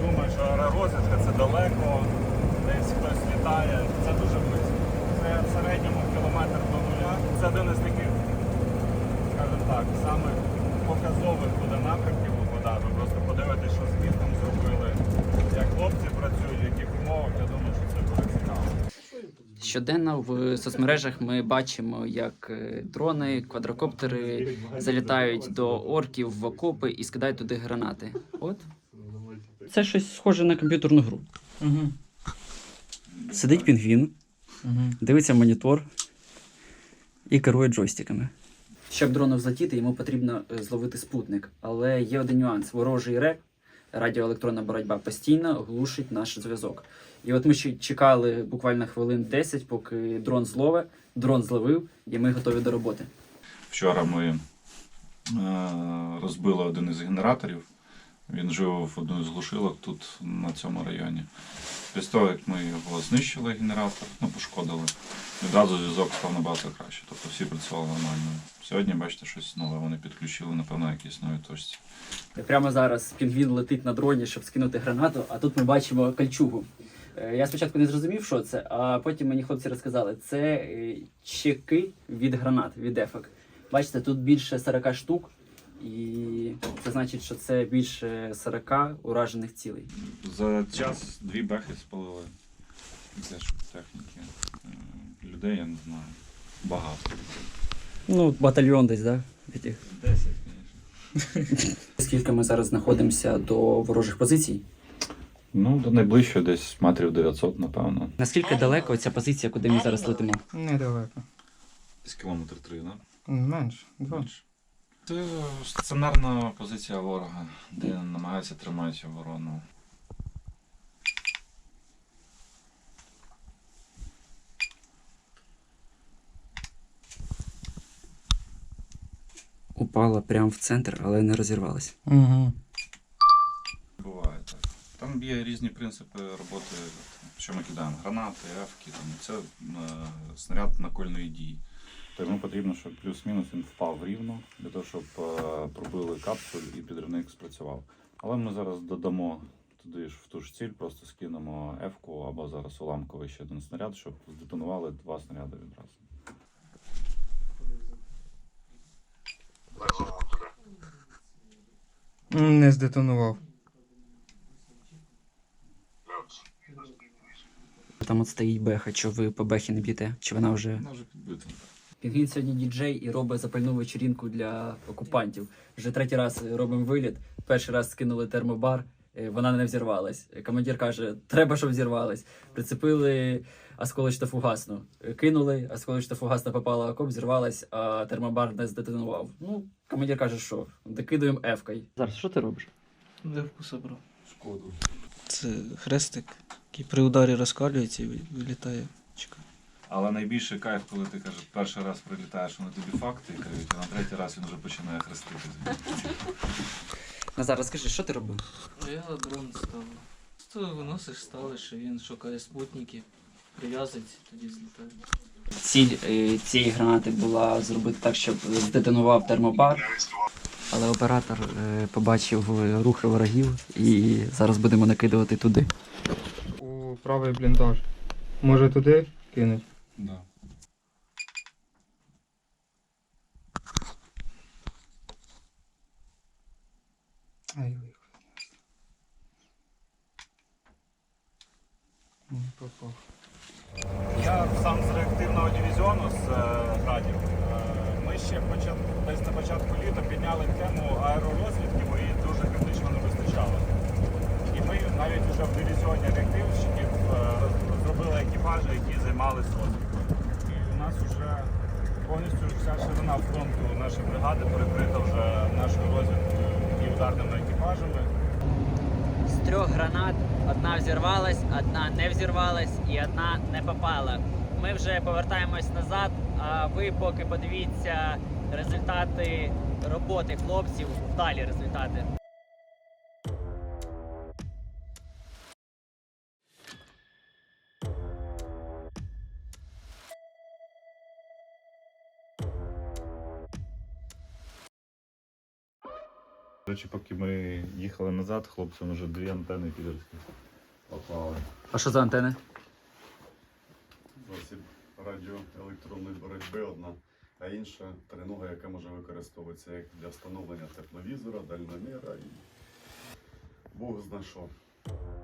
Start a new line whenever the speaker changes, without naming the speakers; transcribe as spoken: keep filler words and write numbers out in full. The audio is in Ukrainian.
думають, що аеророзвідка це далеко, десь хтось літає. Це дуже близько. Це в середньому кілометр до нуля. Це один із таких, скажімо так, самих показових буде напрямків вода. Ви просто подивитесь, що з містом зробили, як хлопці працюють, в яких умовах. Я думаю, що це буде цікаво.
Щоденно в соцмережах ми бачимо, як дрони, квадрокоптери залітають до орків в окопи і скидають туди гранати. От. Це щось схоже на комп'ютерну гру.
Угу.
Сидить пінгвін,
Угу.
дивиться в монітор і керує джойстиками. Щоб дрону взлетіти, йому потрібно зловити спутник. Але є один нюанс. Ворожий реп, радіоелектронна боротьба, постійно глушить наш зв'язок. І от ми ще чекали буквально хвилин десять, поки дрон злове, дрон зловив, і ми готові до роботи.
Вчора ми е, розбили один із генераторів. Він жив в одну з глушилок тут, на цьому районі. Після того, як ми його знищили, генератор, ну, пошкодили, відразу зв'язок став набагато краще. Тобто всі працювали нормально. Сьогодні, бачите, щось нове вони підключили, напевно, якісь нові точці.
Прямо зараз пінгвін летить на дроні, щоб скинути гранату, а тут ми бачимо кольчугу. Я спочатку не зрозумів, що це, а потім мені хлопці розказали, це чеки від гранат, від ефек. Бачите, тут більше сорока штук, і це значить, що це більше сорока уражених цілей.
За час дві бехи спалили. Теж техніки. Людей, я не знаю, багато.
Ну, батальйон десь, так? Да?
Десять, звісно.
Скільки ми зараз знаходимося до ворожих позицій?
Ну, до найближчого десь метрів дев'ятсот, напевно.
Наскільки далеко ця позиція, куди ми зараз летимо?
Недалеко.
Десь кілометр три, так?
Менше. Два.
Менше. Це стаціонарна позиція ворога, де намагається тримати оборону.
Упала прямо в центр, але не розірвалась.
Угу.
Буває так. Там є різні принципи роботи, що ми кидаємо гранати, ефки, там, це е, снаряд накольної дії. То йому потрібно, щоб плюс-мінус він впав рівно, для того, щоб е, пробили капсуль і підривник спрацював. Але ми зараз додамо туди ж в ту ж ціль, просто скинемо ефку або зараз уламковий ще один снаряд, щоб здетонували два снаряди відразу.
Не здетонував.
Там от стоїть беха, що ви по бехі не б'єте? Чи вона вже...
Вона вже підбита.
Пінгвін сьогодні діджей і робить запальну вечірінку для окупантів. Вже третій раз робимо виліт. Перший раз скинули термобар, е, вона не взірвалась. Командир каже, треба, щоб взірвалась. Прицепили осколочно-фугасну. Е, Кинули, осколочно-фугасна попала в окоп, взірвалась, а термобар не здетонував. Ну, командир каже, що докидуємо ефкою. Зараз, що ти робиш?
Девку собрав.
Шкоду.
Це хрестик, який при ударі розкалюється і вилітає. Чекай.
Але найбільший кайф, коли ти кажеш, перший раз прилітаєш, вони тобі факти кажуть, а на третій раз він вже починає хрестити.
Назар, розкажи, що ти робив?
Я дрон ставив. Ти виносиш, ставиш, і він шукає спутники, прив'язується, тоді злітає.
Ціль е, цієї гранати була зробити так, щоб здетонував термобар. Але оператор е, побачив рухи ворогів і зараз будемо накидувати туди.
У правий бліндаж. Може туди кинуть?
Да.
Ай, лихо. Не попав.
Я сам з реактивного дивізіону з е, Градів. Е, Ми ще почат... десь на початку літа підняли тему аеророзвідки, бо її дуже критично не вистачало. І ми навіть вже в дивізіоні реактивщиків е, зробили екіпажі, які займалися розвідкою. І у нас вже повністю вся ширина фронту нашої бригади перекрита вже нашою розвідкою і ударними екіпажами.
З трьох гранат одна взірвалась, одна не взірвалась і одна не попала. Ми вже повертаємось назад, а ви поки подивіться результати роботи хлопців, вдалі результати.
Коротше, поки ми їхали назад, хлопцям вже дві антени підерські попали.
А що за антени?
Засіб радіоелектронної боротьби одна, а інша тренога, яка може використовуватися як для встановлення тепловізора, дальноміра і Бог знайшов.